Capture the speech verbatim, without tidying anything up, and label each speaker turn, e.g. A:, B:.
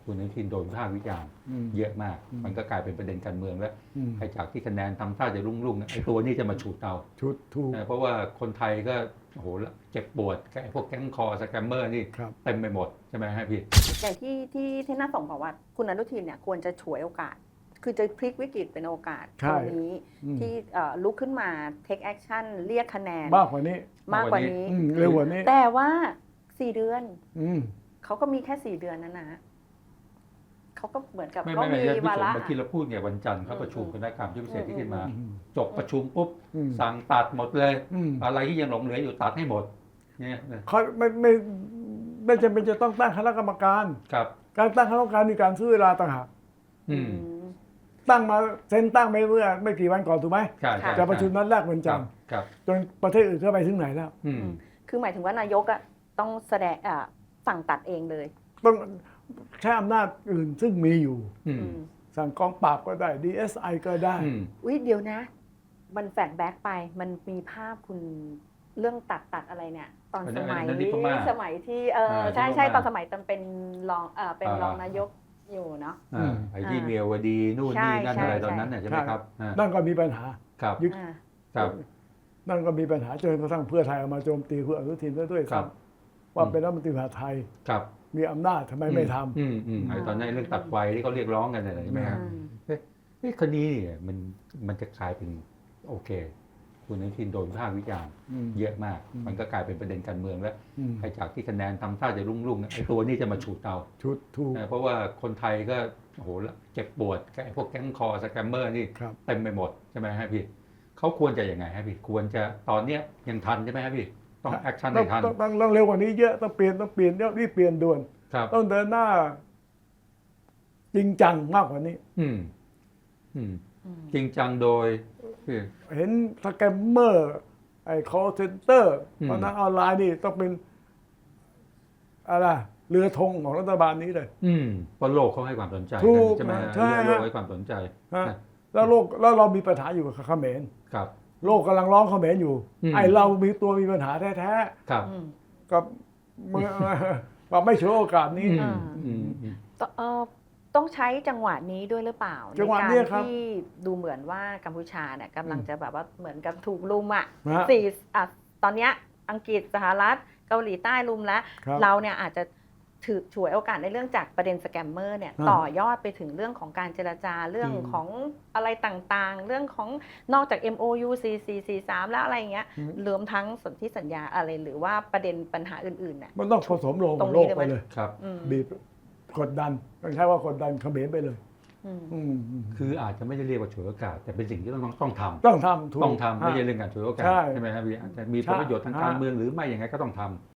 A: คุณอนุทินโดนวิพากษ์วิจารณ์เยอะมากมันก็กลายเป็นประเด็นการเมืองแล้วไอ้จากที่คะแนนทำท่าจะรุ่งรุ่งไอ้ตัวนี้จะมาฉุดเอา
B: ชุดถูก
A: เพราะว่าคนไทยก็โอ้โหเจ็บปวดไอ้พวกแก๊งคอสแกมเมอร์นี่เต็มไปหมดใช่ไหมฮะพี่
C: อย่างที่ที่ที่น่าสงบอกว่าคุณอนุทินเนี่ยควรจะฉวยโอกาสคือจะพลิกวิกฤตเป็นโอกาสตรงนี้ที่ลุกขึ้นมา take action เรียกคะแนน
B: มากกว่านี้
C: มากกว่านี้
B: เร็วกว่านี้
C: แต่ว่าสี่เดือนเขาก็มีแค่สี่เดือนนั้นนะเขาก็เหมือนกับ
A: ก็มีวาระเมื่อกี้เราพูดไงวันจันทร์เขาประชุมคณะกรรมการพิเศษที่ขึ้นมาจบประชุมปุ๊บสั่งตัดหมดเลยอะไรที่ยังหลงเหลืออยู่ตัดให้หมดเนี่ย
B: เขาไม่ไม่ไม่จำเป็นจะต้องตั้งคณะกรรมการ
A: ครับ
B: การตั้งคณะกรรมการมีการซื้อเวลาต่างหากตั้งมาเซ็นตั้งไปเมื่อไม่กี่วันก่อนถูกไหมจะประชุมนัดแรกวันจันทร์จนประเทศอื่นก็ไปถึงไหนแล้ว
C: คือหมายถึงว่านายกอ่ะต้องแสดงสั่งตัดเองเลย
B: ต้องใช้อำนาจอื่นซึ่งมีอยู่สั่งกองปราบก็ได้ ดี เอส ไอ ก็ได้
C: อุ้ยเดี๋ยวนะมันแฟลชแบ็กไปมันมีภาพคุณเรื่องตัดตัดอะไรเนี่ยตอนสมัยสมัยที่เออใช่ใช่ตอนสมัยตอนเป็นรองเออเป็นรองนายกอยู่เนาะ
A: ไอ้ที่เมียวดีนู่นนี่นั่นอะไรตอนนั้นเนี่ยใช่ไหมครับ
B: นั่นก็มีปัญหา
A: ครับ
B: ยึดครับนั่นก็มีปัญหาจนกระทั่งเพื่อไทยออกมาโจมตีคุณอนุทินด้วยซ้ำว่าเป็นรัฐมนตรีมหาดไทยมีอำนาจทำไมไม่ทำ
A: อืมอืมไอ้ตอนนั้นเรื่องตัดไฟที่เขาเรียกร้องกันอะไรใช่ไหมครับเฮ้ยคดีเนี่ยมันมันจะกลายเป็นโอเคคุณอนุทินโดนวิพากษ์วิจารณ์เยอะมากมันก็กลายเป็นประเด็นการเมืองแล้วไอ้จากที่คะแนนทำท่าจะรุ่งรุ่งไอ้ตัวนี้จะมาฉุดเอา
B: ชุดถูก
A: เพราะว่าคนไทยก็โอ้โหเจ็บปวดไอ้พวกแก๊งคอสแกมเมอร์นี่เต็มไปหมดใช่ไหมฮะพี่เขาควรจะยังไงฮะพี่ควรจะตอนเนี้ยยังทันใช่ไหมฮะพี่ต้องแอคชั่นให้ทัน
B: ต้องต้องเร็วกว่านี้เยอะต้องเปลี่ยนต้องเปลี่ยนเยอะรีบเปลี่ยนด่วนต้องเดินหน้าจริงจังมากกว่านี้
A: อืมอืมจริงจังโดย
B: เห็นสแกมเมอร์ไอ้ call center พนักออนไลน์นี่ต้องเป็นอะไรเรือธงของรัฐบาลนี้เลย
A: อืมเพราะโลกเขาให้ความสนใจใช่ไหม
B: ใช่
A: โลกให้ความสนใจ
B: แล้วโลกแล้วเรามีปัญหาอยู่กับเขมร
A: ครับ
B: โลกกำลังร้องเขมรอยู่ไอ้เรามีตัวมีปัญหาแท้
A: ๆครับ
B: กับเมื่อว่าไม่ช่วยโอกาสนี้
C: ต้องใช้จังหวะนี้ด้วยหรือเปล่าในการที่ดูเหมือนว่ากัมพูชาเนี่ยกำลังจะแบบว่าเหมือนกับถูกลุมอ่ะสี่อ่ะตอนนี้อังกฤษสหรัฐเกาหลีใต้ลุมแล้วเราเนี่ยอาจจะถือฉวยโอกาสในเรื่องจากประเด็นสแกมเมอร์เนี่ยต่อยอดไปถึงเรื่องของการเจรจาเรื่องของอะไรต่างๆเรื่องของนอกจาก เอ็ม โอ ยู สี่ สี่ สี่ สาม แล้วอะไรเงี้ยรวมทั้งสนธิสัญญาอะไรหรือว่าประเด็นปัญหาอื่นๆเนี่ย
B: มันต้องผสมลงตรงนี้ไปเลย
A: ครับ
B: บีบกดดันต้องใช้ว่ากดดันเขมรไปเลย
A: คืออาจจะไม่ได้เรียกว่าฉวยโอกาสแต่เป็นสิ่งที่ต้องต้องท
B: ำต้องท
A: ำต้องทำไม่ใช่เรื่องการฉวยโอกาสใช่ไหมครับอาจจะมีผลประโยชน์ทางการเมืองหรือไม่อย่างไรก็ต้องทำ